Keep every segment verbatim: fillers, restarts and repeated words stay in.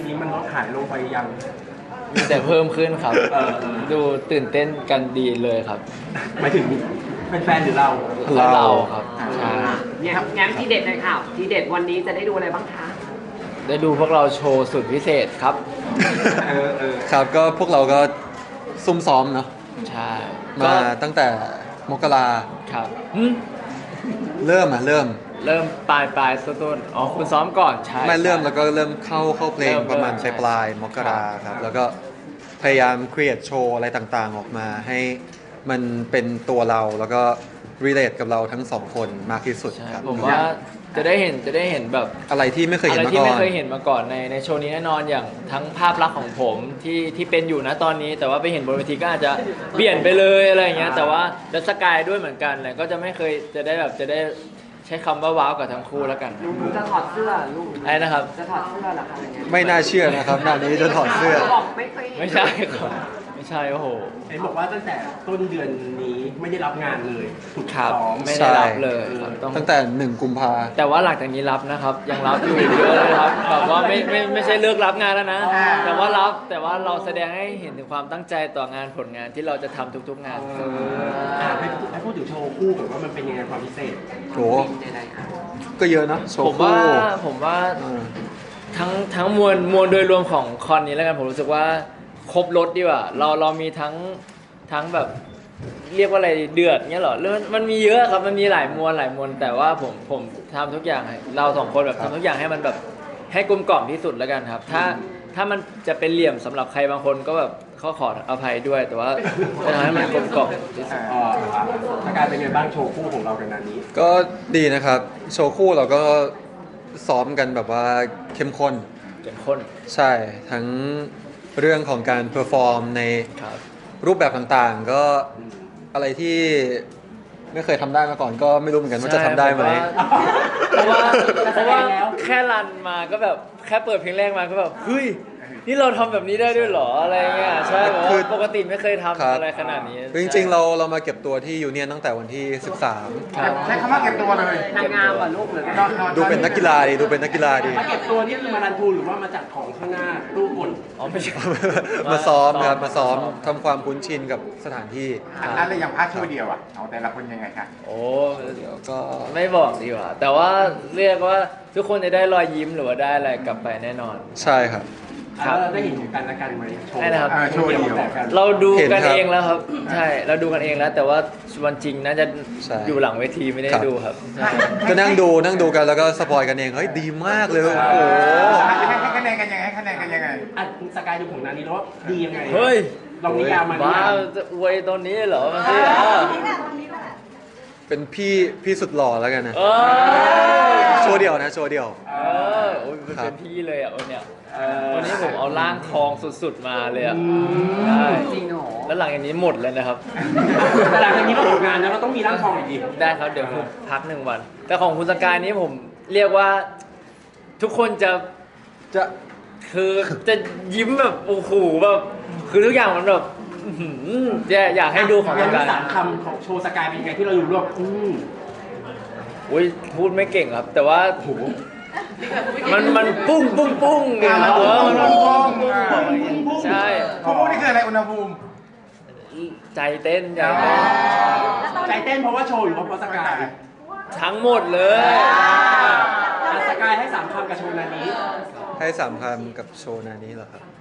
ทีมันลดหายลงไปยังแต่เพิ่มขึ้นครับเออเออดูตื่นเต้นกันดีเลยครับหมายถึงเป็นแฟนหรือเราเราครับใช่เนี่ยงั้นที่เด็ดเลยค่ะที่เด็ดวันนี้จะได้ดูอะไรบ้างคะได้ดูพวกเราโชว์สุดพิเศษครับเออเออครับก็พวกเราก็ซุ่มซ้อมเนาะใช่มาตั้งแต่มกราครับหึเริ่มอ่ะเริ่มเริ่มปลายปลายต้นต้นอ๋อคุณซ้อมก่อนใช่ไม่เริ่มใช่แล้วก็เริ่มเข้าเข้าเพลงเริ่มประมาณเริ่ปมลายปลายใช่มกราครับแล้วก็พยายาม create โชว์อะไรต่างๆ ออกมาให้มันเป็นตัวเราแล้วก็ relate กับเราทั้งสองคนมากที่สุดใช่ครับผมว่าจะได้เห็นจะได้เห็นแบบอะไรที่ไม่เคยอะเห็นไรมาที่ก่อไม่นเคยเห็นมาก่อนในในโชว์นี้แน่นอนอย่างทั้งภาพลักษณ์ของผมที่ที่เป็นอยู่นะตอนนี้ แต่ว่าไปเห็นบนเวทีก็อาจจะเปลี่ยนไปเลยอะไรอย่างเงี้ยแต่ว่าดัสกายด้วยเหมือนกันแหละก็จะไม่เคยจะได้แบบจะได้ใช้คำว่าว้าวกับทั้งคู่แล้วกันหนูจะถอดเสื้อลูกไอ้นะครับจะถอดเสื้อเหรอคะอย่างเงี้ยไม่น่าเชื่อนะครับหน้านี้จะถอดเสื้อบอกไม่เคยเห็นไม่ใช่ครับไม่ใช่โอ้โหเห็นบอกว่าตั้งแต่ต้นเดือนนี้ไม่ได้รับงานเลยถูกครับซ้อมไม่ได้รับเลยครับต้องตั้งแต่หนึ่งกุมภาแต่ว่าหลังจากนี้รับนะครับ ยังรับอยู่เยอะเลยครับแบบว่าไม่ไม่ไม่ใช่เลิกรับงานแล้วนะ แต่ว่ารับแต่ว่าเราแสดงให้เห็นถึงความตั้งใจต่องานผลงานที่เราจะทำทุกๆงานเอออ่ะให้ให้พูดถึงโชว์คู่ก่อนว่ามันเป็นยังไงความพิเศษโหใดๆอ่ะก็เยอะนะโชผว์มคู่ว่าผมว่าเออทั้งทั้งมวลมวลโดยรวมของคอนนี้แล้วกันผมรู้สึกว่าครบรถดีกว่าเราเรามีทั้งทั้งแบบเรียกว่าอะไรเดือดเงี้ยเหรอเรื่องมันมีเยอะครับมันมีหลายมวลหลายมวลแต่ว่าผมผมทำทุกอย่างให้เราสองคนแบบทำทุกอย่างให้มันแบบให้กลมกล่อมที่สุดแล้วกันครับ ถ้าถ้ามันจะเป็นเหลี่ยมสำหรับใครบางคนก็แบบเขาขออภัยด้วย แต่ว่าจะทำให้มันกลมกล่อมที่สุดอ่าอ่ะอาการเป็นไงบ้างโชว์คู่ของเรากันนานี้ก็ดีนะครับ โชว์คู่เราก็ซ้อมกันแบบว่าเข้มข้นเข้มข้นใช่ทั้งเรื่องของการเพอร์ฟอร์มในครับรูปแบบต่างๆ ก็อะไรที่ไม่เคยทำได้มาก่อนก็ไม่รู้เหมือนกันว่าจะทำได้ไหมเพราะว่าเพราะว่าแค่รันมาก็แบบแค่เปิดเพลงแรกมาก็แบบเฮ้ยนี่เราทำแบบนี้ได้ด้วยเหรออะไรเงี้ยใช่แบบคือว่าปกติไม่เคยทำครับอะไรขนาดนี้จริงๆ เราเรามาเก็บตัวที่ยูเนียนตั้งแต่วันที่สิบสามครับใช้คำว่าเก็บตัวเลยนางงามเหรอลูกหรือตอนตอนดูเป็นนักกีฬาดีดูเป็นนักกีฬาดีมาเก็บตัวนี่คือมารันทูหรือว่ามาจากของข้างหน้าตู้กลอ๋อไม่ใช่มาซ้อมครับมาซ้อมทำความคุ้นชินกับสถานที่อะไรอย่างพาร์ทโชว์เดียวอ่ะเอาแต่ละคนยังไงคะโอ้เดี๋ยวก็ไม่บอกดีกว่า แต่ว่าเรียกว่าทุกคนจะได้รอยยิ้มหรือว่าได้อะไรกลับไปแน่นอนใช่ครับครับแล้วเราได้เห็นกันและกันไหมโชว์ได้นะครับเออโชว์เดียวแบบกันเราดูเห็นกันครับเองแล้วครับ ใช่เราดูกันเองแล้ว แต่ว่าวันจริงน่าจะใช่อยู่หลังเวทีไม่ได้ครับดูครับใช่ก็นั่งดูนั่งดูกันแล้วก็สปอยกันเองเฮ้ยดีมากเลยโอ้โหให้คะแนนกันยังไงให้คะแนนกันยังไงอ่ะสกายดูของนานี้แล้วว่าดียังไงเฮ้ยลองนิยามมานิบ้ายามจะอวยตอนนี้เหรอมันสิอ่ะเป็นพี่พี่สุดหล่อแล้วกันนะเออโชว์เดียวนะโชว์เดียวเออโอ้ยมันครัเป็บนพี่เลยอ่ะวันเนี้ยเออวันนี้ผมเอาร่างทองสุดๆมาเลยอ่ะอืมใช่จริงเหรอแล้วหลังจากนี้หมดเลยนะครับแต่หลังจากนี้เราทำงานนะเราต้องมีร่างทองอีกดิได้ครับเดี๋ยวผมพักหนึ่งวัน แต่ของคุณสกายนี้ผมเรียกว่าทุกคนจะจะคือจะยิ้มแบบโอ้โหแบบคือทุกอย่างมันแบบอื้อหืออยากอยากให้ดูของสยังมีกายสามคำของโชว์สกายเป็นยังไงที่เราอยู่รวบอืมอุ้ยพูดไม่เก่งครับ แต่ว่าโอ้โหมันมันปุ้งปุ้งปุ้งไงครับเออมันมันปุ้งปุ้งปุ้งใช่คู่นี่คืออะไรอุณหภูมิใจเต้นใจเต้นใจเต้นเพราะว่าโชว์อยู่เพราะสกายทั้งหมดเลยอ่ะสกายให้สามคำกับโชว์นานี้ให้สามคำกับโชว์นานี้เหรอครับ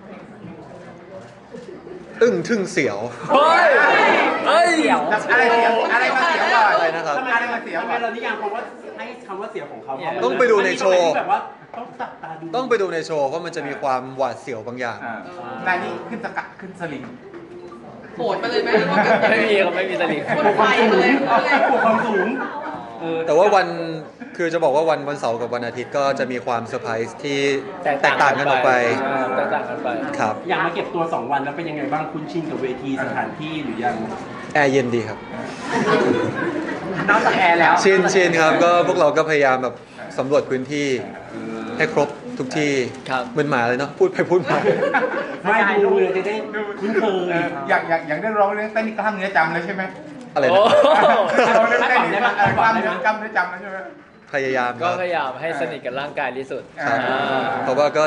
อึ้งทึ่งเสียวเฮ้ยเฮ้ยอะไรเสียวอะไรมาเสียวก่อนอะไรนะครับทำไมอะไรมาเสียวทำไมก่อนเรานิยามคำว่าให้คำว่าเสียวของเขาต้องไปดูในโชว์มันมีตรงไหนที่แบบว่าต้องจับตาดูต้องไปดูในโชว์เพราะมันจะมีความหวาดเสียวบางอย่างอ่านานี่ขึ้นสกัดขึ้นสลิงโหดไปเลยไหมหรือว่าแบบไม่มีครับไม่มีสลิงคนไฟมาเลยปวดความสูงเออแต่ว่าวันคือจะบอกว่าวันวันเสาร์กับวันอาทิตย์ก็จะมีความเซอร์ไพรส์ที่แตกต่างกันออกไปแตกต่างกันไปครับอยากมาเก็บตัว สอง วันแล้วเป็นยังไงบ้างคุ้นชินกับเวทีสถานที่หรือยังแอร์เย็นดีครับนอกจากแอร์แล้วชินชินครับก็พวกเราก็พยายามแบบสำรวจพื้นที่ให้ครบทุกที่ครับเหมือนหมาเลยเนาะพูดไปพูดมาไม่ดูเลยจะได้คุ้นเคยเอออย่างอย่างอย่างได้ร้องเรื่องเต้นนี่กล้ามเนื้อจำเลยใช่ไหมอะไรโอ้นะร้องเรื่องเต้นนี่เออกล้ามเนื้อกล้ามเนื้อจำแล้วใช่ไหมพยายามคก็รับพยายามให้สนิทกับร่างกายที่สุดครับอ่าเพราะว่าก็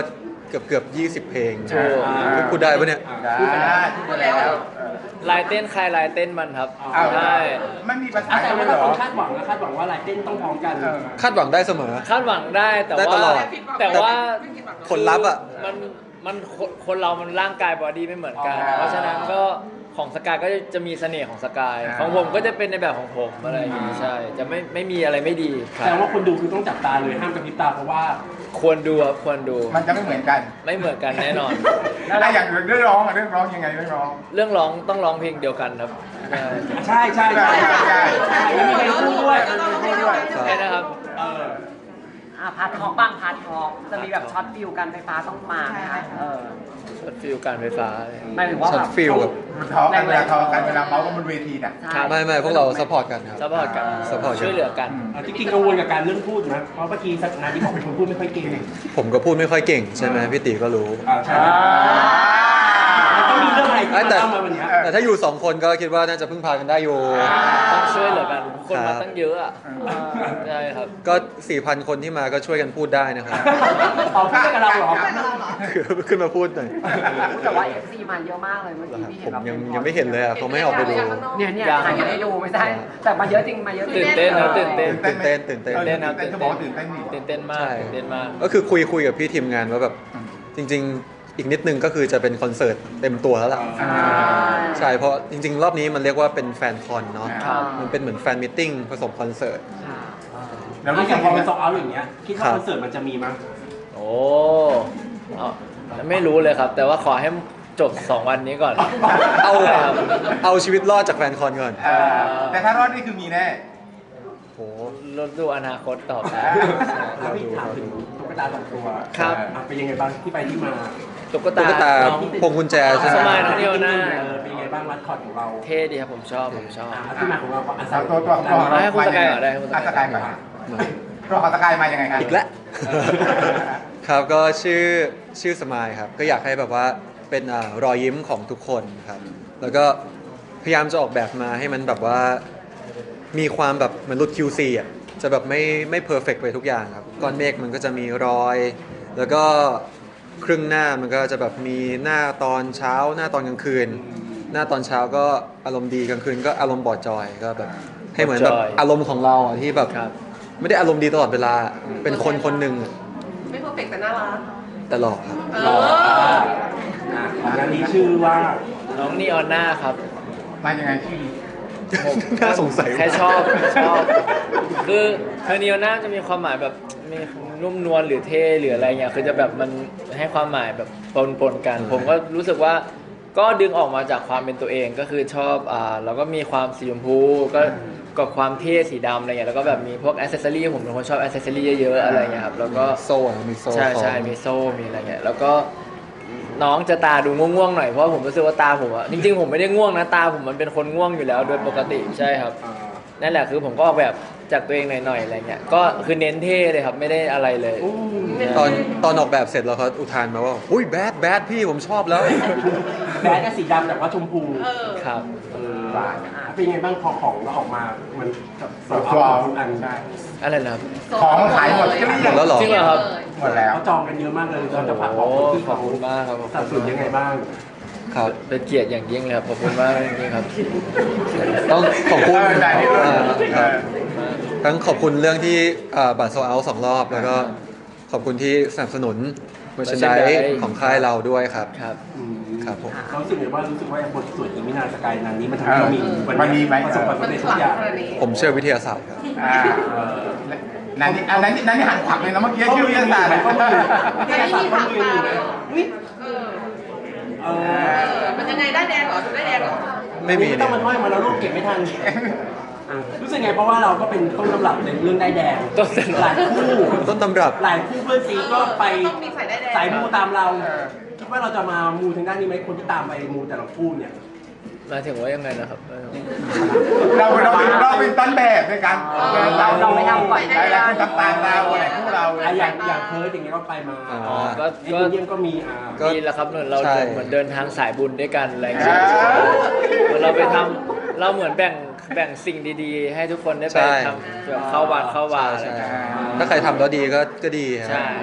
เกือบเกือบยี่สิบเพลงถูกพูดได้ปะเนี่ยได้พูดไปแล้วลายเต้นใครลายเต้นมันครับเอาใช่ไม่มีภาษาอ่ะแต่เลว่ายเหรถ้าคอนคาดหวังนะคาดหวังว่าลายเต้นต้องพร้อมกันเออคาดหวังได้เสมอคาดหวังได้แต่ได้ว่าตลอดแต่ว่าผลลัพธ์อะมันมันคนคนเรามันร่างกายบอดี้ไม่เหมือนกันอ๋อเพราะฉะนั้นก็ของสกายก็จะมีเสน่ห์ของสกายอ่าของผมก็จะเป็นในแบบของผมอะไรอย่างงี้ใช่ จะไม่ไม่มีอะไรไม่ดีครัแต่บว่าคนดูคือต้องจับตาเลยห้ามกระพริบตาเพราะว่าควรดูครับควรดูมันจะไม่เหมือนกันไม่เหมือนกันแน่นอนแล้วอย่างเรื่องร้องอะเรื่องร้องยังไงเรื่องร้องเรื่องร้องต้องร้องเพลงเดียวกันครับใช่ใช่ใช่ใช่ใช่ใช่แล้วมีเพลงคู่ด้วยพูดด้วยใช่นะครับเอออ่ะพาร์ททอกบ้างพาร์ททอกจะมีแบบช็อตฟิวกันไฟฟ้าต้องมาไหมคะเออช็อตฟิลการไฟฟ้าเลยหมายถึงว่าช็อแบตบฟิลแบบมันท้อกันเวลาท้อกันเวลาเมาส์กันบนเวทีน่ะครับไม่ไม่พวกเราซัพพอร์ตกันครับซัพพอร์ตกันซัพพอร์ตกันช่วยเหลือกันอ่ะจริงๆกังวลกับการเรื่องพูดนะเพราะเมื่อกี้สักนาที่บอกเป็นคนพูดไม่ค่อยเก่งผมก็พูดไม่ค่อยเก่งใช่ไหมพี่ติก็รู้อ่าใช่มันต้องมีเรื่องอะไรที่เอ้ยมาแต่เล่ามาวันเนี้ยแต่ถ้าอยู่สองคนก็คิดว่าน่าจะพึ่งพากันได้อยู่ต้องช่วยเหลือกันคนครัมาบตั้งเยอะอ่ะใช่ครับก็ สี่พัน คนที่มาก็ช่วยกันพูดได้นะครับอ๋อพูดได้กับเราเหรอขึ้นมาพูดหน่อยแต่ว่า เอฟ ซี มาเยอะมากเลยเมื่อกี้พี่ผเห็นมแบบยังยังไม่เห็นเลยอ่ะเขาไม่ให้ออกไปดูเนี่ยเนี่ยถ่ายกันให้ดูไม่ใช่แต่มาเยอะจริงมาเยอะจริตื่งนเต้นนะตื่นเต้นตื่นเต้นตื่นเต้นออเต้นครับตื่นเต้นเขาบอกว่าตื่นเต้นนี่ตื่นเต้นมากใช่ตื่นเต้นมากก็คือคุยคุยกับพี่ทีมงานว่าแบบจริง ๆ อีกนิดนึงก็คือจะเป็นคอนเสิร์ตเต็มตัวแล้วล่ะอ่าใช่เพราะจริง ๆ รอบนี้มันเรียกว่าเป็นแฟนคอนเนาะครับมันเป็นเหมือนแฟนมิทติ้งผสมคอนเสิร์ตแล้วแล้วรู้อสึย่าก งพอว่าเป็นโซเอาท์อย่างเงี้ยคิดว่าครับคอนเสิร์ตมันจะมีมั้ยโอ้เอาไม่รู้เลยครับ แต่ว่าขอให้จบสองวันนี้ก่อนเอาใช่ครับเอาชีวิตรอดจากแฟนคอนก่อนเออแต่ถ้ารอดนี่คือมีแน่โหรถดูอนาคตต่อไปแล้วพี่ถามถึงตุ๊กตาสองตัวครับอ่ะเป็นยังไงบ้างที่ไปที่มาตุ๊กตุ๊ตากตาน้องพวงกุญแจใช่ไหสมมัยน้องเดียวหน้าเออเป็นยังไงบ้างมัดคอร์ดของเราเท่ดีครับผมชอบผมชอบอ่ะที่มาของเราอ่ะสามตัวตัวตัวให้คุณสกายก่อนได้ให้คุณสกายอ่ะสกายก่อนตัวของสกายมายังไงครับอีกแล้ว ครับก็ชื่อชื่อสมายครับ ก็อยากให้แบบว่าเป็นอ่ารอยยิ้มของทุกคนครับ แล้วก็พยายามจะออกแบบมาให้มันแบบว่ามีความแบบเหมือนรุด คิว ซี อ่ะจะแบบไม่ไม่เพอร์เฟกไปทุกอย่างครับก้อนเมฆมันก็จะมีรอย แล้วก็ครึ่งหน้ามันก็จะแบบมีหน้าตอนเช้า หน้าตอนกลางคืน หน้าตอนเช้าก็อารมณ์ดีกลางคืนก็อารมณ์บอดจอยก็แบบให้เหมือนแบบบอดจอยอารมณ์ของเราอ่ะที่แบบครับไม่ได้อารมณ์ดีตลอดเวลา เป็นคนคนหนึ่งอะไม่เพอร์เฟกต์แต่น่ารักแต่หลอกครับเอรอออ่ะของงานนี้ชื่อว่าน้องนีออนหน้าครับมายังไงชื่อนี้น่าสงสัยแค่ชอบชอบ คือคือนีออนหน้าจะมีความหมายแบบมีนุ่มนวลหรือเท่หรืออะไรเงี้ยคือจะแบบมันให้ความหมายแบบปนปนๆกัน ผมก็รู้สึกว่าก็ดึงออกมาจากความเป็นตัวเองก็คือชอบอ่าแล้วก็มีความสีชมพูก็กับความเท่สีดำอะไรเงี้ยแล้วก็แบบมีพวกอ c เซสซอรี่ผมเป็นคนชอบอ c เซสซอรี่เยอะๆอะไรเงี้ยครับแล้วก็โซ่อะมีโซ่ใช่ใช่ของมีโซ่ มีอะไรเงี้ย แล้วก็น้องจะตาดูง่วงๆหน่อย เพราะว่าผมรู้สึกว่าตาผมอะจริงๆผมไม่ได้ง่วงนะ ตาผมมันเป็นคนง่วงอยู่แล้วโดยปกติ ใช่ครับอ่านั่นแหละคือผมก็ออกแบบจากตัวเองหน่อยๆอะไรเงี้ย ก็คือเน้นเท่เลยครับ ไม่ได้อะไรเลยตอนตอนออกแบบเสร็จแล้วเขาอุทานมาว่าอุ้ยแบดแบดพี่ผมชอบแล้วแบดก็สีดำแต่ว่าชมพูเออครับเออเป็นยังไงบ้างพอของเราออกมา มันกับโซเอาท์ทุกอันใช่อะไรนะครับของขายหมดเกลี้ยงแล้วเหรอจริงเหรอครับหมดแล้วเขาจองกันเยอะมากเลยเราจะฝากบโอ้อกคนที่ขอบคุณมากครับขอบสัดคุส่วณนยังไงบ้างครับเป็นเกียรติอย่างยิ่งเลยครับ ขอบคุณมากจริงๆครับต้องขอบคุณเออได้ที่อ่าเอครับอทั้งขอบคุณเรื่องที่อ่าบัตรโซเอาสองรอบ แล้วก็ขอบคุณที่สนับสนุนเมอร์ช n นด merchandise ของค่ายเราด้วยครับครับอืมครับผมเขารู้สึกไงว่ารู้สึกว่าบทสวดอีมินาสกายนันนี้มันทำให้เรามีวันมันมีไหมประสบความมันสำเร็จขทุลักงอย่างขนาดนี้ผมเชื่อวิทยาศาสตร์ครับอ่านั่นนี่อันนั้นนั่นนี่หันขวักเลยนะเมื่อกี้ชื่อวิทยาศาสตร์ข้อมือแต่ไม่มีทางตาเลยเหรออุ๊ยเออเอเอออ มันยังไงได้แดงเหรอถึงได้แดงเหรอไม่มีต้เนี่อย งมันห้อยมาแล้วลูกเก็บไม่ทันอ่ะรู้สึกไงเพราะว่าเราก็เป็นต้นตำรับในเรื่องได้ายแดงต้นตำรับหลายคู่ต้นตำรับหลายคู่เพื่อนซีก็ไปต้องมีสายได้แดงสายมูตามเรา คิดว่าเราจะมามูทางด้านนี้ไหมคนที่ตามไปมูแต่ละคู่เนี่ยหมายถึงว่ายังไงนะครับเราเราเป็นเราเป็นต้นแบบในการเราเราไม่ทำก่อนหลายหลายคนตามตามเราอะไรคู่เราอ่ะอย่างอย่างเพิร์ดอย่างเงี้ยก็ไปมาอ๋อก็เอ็ก็นเยี่ยมก็มีอ่าก็ดีแล้วครับเหมือนเราใช่เหมือนเดินทางสายบุญด้วยกันอะไรอย่างเงี้ยเหมือนเราไปทำเราเหมือนแบ่งแบ่งสิ่งดีๆ ให้ทุกคนได้ไปใช่ทำแบบเข้าวัดเข้าวาอะไรใช่อย่างเงี้ยถ้าใครทำแล้วดีก็ก็ดีครับใช่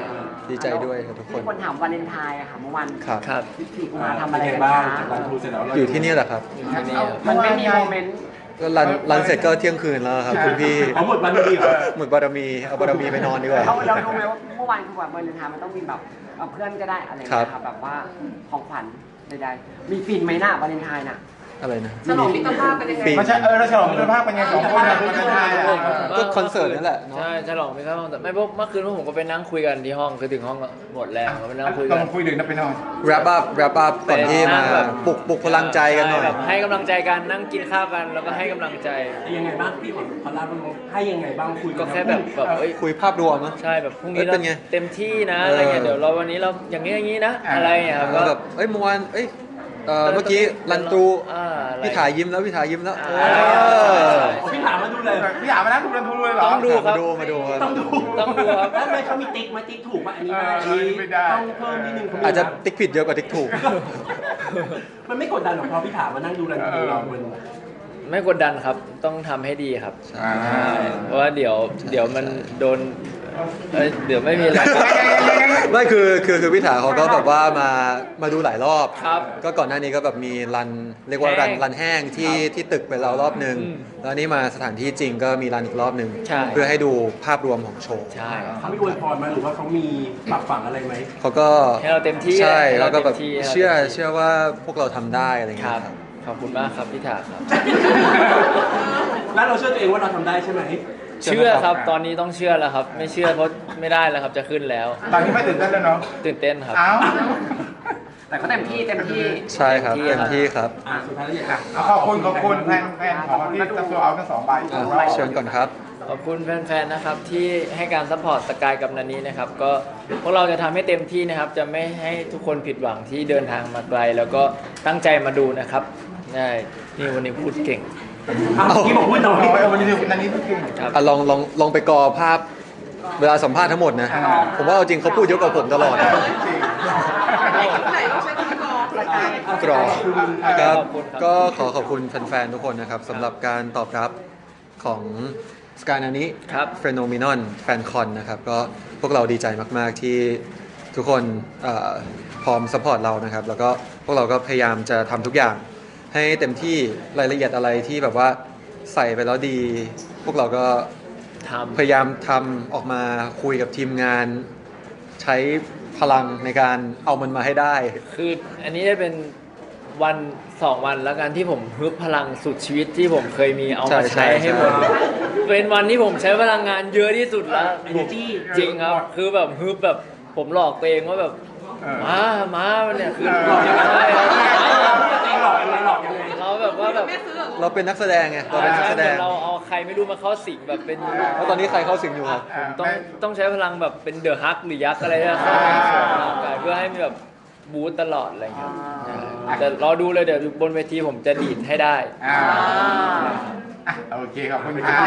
ดีใจด้วยกับทุกคนมีคนถามวาเลนไทน์อะค่ะเมื่อวันครับครับที่สี่กุมภามาทำทำอะอะไร ไรกันบ้างคะจากการทูเสร็จแล้วเราอยู่ที่นี่แหละครับที่นี่ครับมันไม่มีโมเมนต์ก็รันรันเสร็จก็เที่ยงคืนแล้วครับคุณพี่เอาหมดวันดีเหรอหมดบารมีเอาบารมีไปนอนดีกว่าเราเรารู้ไหมว่าเมื่อวานคือแบบวาเลนไทน์มันต้องมีแบบเอาเพื่อนก็ได้อะไรอย่างเงี้ยครัค่ะบแบบว่าของขวัญใดๆมีฟินไหมน่ะวาเลนไทน์น่ะอะไรนะฉลองมิตรภาพกันยังไงปีไม่ใช่เออเราฉลองมิตรภาพเป็นไงสองคนนะคนไทยอ่ะก็คอนเสิร์ตนั่นแหละเนอะใช่ฉลองไม่เข้าห้องแต่ไม่เพราะเมื่อคืนพวกผมก็ไปนั่งคุยกันที่ห้องคือถึงห้องก็หมดแรงก็ไปนั่งคุยต้กัอน งคุยดึกนะไปนอน wrap up wrap up ก่อนที่มาไปนั่งแบบปลุกปลุกพลังใจกันหน่อยใช่แบบให้กำลังใจกันนั่งกินข้าวกันแล้วก็ให้กำลังใจยังไงบ้างพี่ขอขอเล่าบ้างให้ยังไงบ้างคุยก็แค่แบบแบบเอ้ยคุยภาพรวมนะใช่แบบพรุ่งนี้เอ้ยเราเป็นไงเต็มที่นะเออออะไรเงี้ยเดี๋ยวเราวันนี้เราอย่างนี้อย่างนี้นะอ่าอะไรเงี้ยครับแล้ก็วแบบเอ้ยเมื่อวานเอ้ยเอ่อเมื่อกี้รันตูอ่าอะไรพี่ถ่ายยิ้มแล้วพี่ถ่ายยิ้มแล้วอ่าเออพี่ถามมาดูเลยพี่ถามมานะทุกคนทุกเลยเหรอต้องดูครับมาดูมาดูครับต้องดูต้องดูครับแล้วทำไมเขามีติ๊กมาติ๊กถูกป่ะอันนี้ได้อันเออนี้ไม่ได้ต้องเพิ่มนิดนึงเขามีอาจจะนติ๊กผิดเยอะกว่าติ๊กถูกมันไม่กดดันหรอกพอพี่ถามมานั่งดูแลดูเรามันไม่กดดันครับต้องทำให้ดีครับอ่าใช่เพราะว่าเดี๋ยวเดี๋ยวมันโดนเอ้ยเดี๋ยวไม่มีอะไรไม่คือคือคือพี่ถาเขาก็แบบว่ามามาดูหลายรอบครับก็ก่อนหน้านี้ก็แบบมีรันเรียกว่ารันแห้งรันแห้งที่ที่ตึกไปแล้วรอบหนึ่งอืมแล้วนี่มาสถานที่จริงก็มีรันอีกรอบหนึ่งใช่เพื่อให้ดูภาพรวมของโชว์ใช่ครับเขาไม่อวยพรมาหรือว่าเขามีปรับฝังอะไรไหมเขาก็ให้เราเต็มที่ใช่ให้แล้เราวก็แบบเต็มที่ให้เราเชื่อเต็มที่เชื่อว่าพวกเราทำได้อะไรคเงี้รัยบครับขอบคุณมากครับพี่ถาครับแล้วเราเชื่อตัวเองว่าเราทำได้ใช่ไหมเชื่อเชื่อไหมครับครับตอนนี้ต้องเชื่อแล้วครับ ไม่เชื่อเพราะไม่ได้แล้วครับจะขึ้นแล้วตอนนี้ไม่ตื่นเต้นแล้วเนาะตื่นเต้นครับเอ้าแต่ก็เต็มที่เต็มที่ใช่ครับเต็เต็มมที่ที่ครับครับอ่ะสุดท้ายแล้วอยากเอาขอบคุณขอบคุณแฟนแฟนของที่จะตัวเอาทั้งสองใบอ่ะของเราเชิญก่อนครับขอบคุณแฟนๆ นะครับที่ให้การซัพพอร์ตสกายกับนันนี้นะครับ ก็พวกเราจะทำให้เต็มที่นะครับ จะไม่ให้ทุกคนผิดหวังที่เดินทางมาไกล แล้วก็ตั้งใจมาดูนะครับได้นี่วันนี้พูดเก่งอ่ะเมื่อกี้บอกพูดน้อยเอาไว้วันนี้นันนี้ทุกทีครับอ่ะลองลองลองไปกอภาพเวลาสัมภาษณ์ทั้งหมดนะอ่าผมว่าเอาจริงเขาพูดเยอะกว่าผมตลอดนะจริงไหนไหนต้องใช้คำกรองรายการกรอครับขอบคุณครับก็ขอขอบคุณแฟนๆ ทุกคนนะครับสำหรับการตอบรับของสกายนานี้ครับเฟโนมินอนแฟนคอนนะครับ ก็พวกเราดีใจมากๆที่ทุกคนเอ่อพร้อมสปอร์ตเรานะครับ แล้วก็พวกเราก็พยายามจะทำทุกอย่าง ให้เต็มที่รายละเอียดอะไรที่แบบว่าใส่ไปแล้วดี พวกเราก็ทำพยายามทำออกมาคุยกับทีมงาน ใช้พลังในการเอามันมาให้ได้คืออันนี้ได้เป็นวันสองวันแล้วกันที่ผมฮึบพลังสุดชีวิตที่ผมเคยมีเอามาใช่ใช้ให้หมดใช่เป็นวันที่ผมใช้พลังงานเยอะที่สุดแล้ว energy จริงครับ คือแบบฮึบแบบผมหลอกตัวเองว่าแบบเออมามาเนี่ยคือหลอกยังไงใช่ครับตัวเองหลอกยังไงหลอกยังไงเราแบบว่าแบบแม่ซื้อเหรอเราเป็นนักแสดงไงเราเป็นนักแสดงเราเอาใครไม่รู้มาเข้าสิงแบบเป็นแล้วตอนนี้ใครเข้าสิงอยู่ครับผมต้องต้องใช้พลังแบบเป็นเดอะฮักหรือยักษ์อะไรเนี่ยเข้าไปในส่วนร่างกายเพื่อให้มีแบบบูตตลอดอะไรอย่างเงี้ยแต่รอดูเลยเดี๋ยวบนเวทีผมจะดีดให้ได้อ่าอ่ะโอเคขอบคุณครับ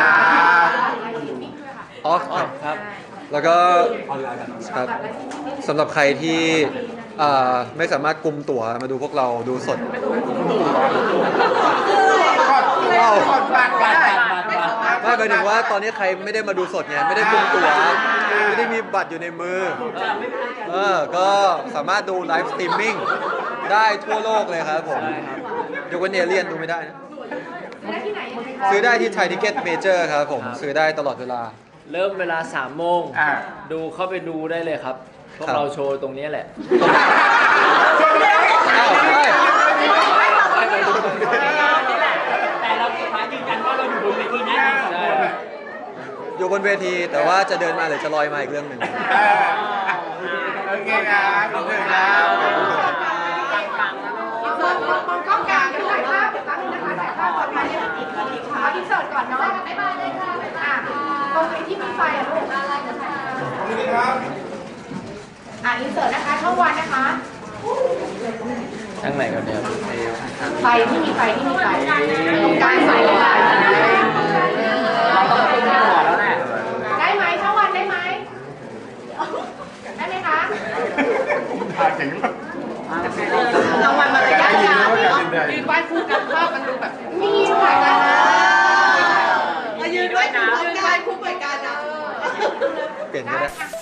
อ๋ออ๋อครับแล้วก็ออนไลน์กันครับสำหรับใครที่อ่าไม่สามารถกุมตั๋วมาดูพวกเราดูสดก็ก็ก็บัตรก็ได้ไม่หมายถึงว่าตอนนี้ใครไม่ได้มาดูสดไงไม่ได้กุมตั๋วไม่ได้มีบัตรอยู่ในมือเออก็สามารถดูไลฟ์สตรีมมิ่งได้ทั่วโลกเลยครับผมยกเว้นเอเลียนดูไม่ได้นะซื้อได้ที่ไทยทิเก็ตเมเจอร์ครับผมซื้อได้ตลอดเวลาเริ่มเวลาสามโมงอ่าดูเข้าไปดูได้เลยครับ พวกครับเราโชว์ตรงนี้แหละอ้าวเฮ้ยแต่เราสุดท้ายยืนยันว่าเราอยู่บนเวทีนะใช่อยู่บนเวทีแต่ว่าจะเดินมาหรือจะลอยมาอีกเรื่องหนึ่งเออโอเคครับขอบคุณครับมองมองกล้องกลางถ่ายภาพแป๊บนึงนะคะถ่ายภาพก่อนถ่ายยังอีกอีกค่ะอินเสิร์ตก่อนเนาะบ๊ายบายเลยค่ะอ่ะตรงไหนที่มีไฟอ่ะลูกอะไรนะคะอ่ะอินเสิร์ตนะคะช่องวันนะคะทั้งไหนกันเนี่ยไฟที่มีไฟที่มีไฟตรงกลางไฟเลยค่ะเราต้องขึ้นหัวแล้วแหละได้ไหมช่องวันได้ไหมได้ไหมคะถ่ายถึงรางวัลมารยาทงามยืนไหว้คู่กันภาพมันดูแบบมีถ่ายกันนะยืนไหว้คู่ยืนไหว้คู่ไปกันนะเปลี่ยนก็ได้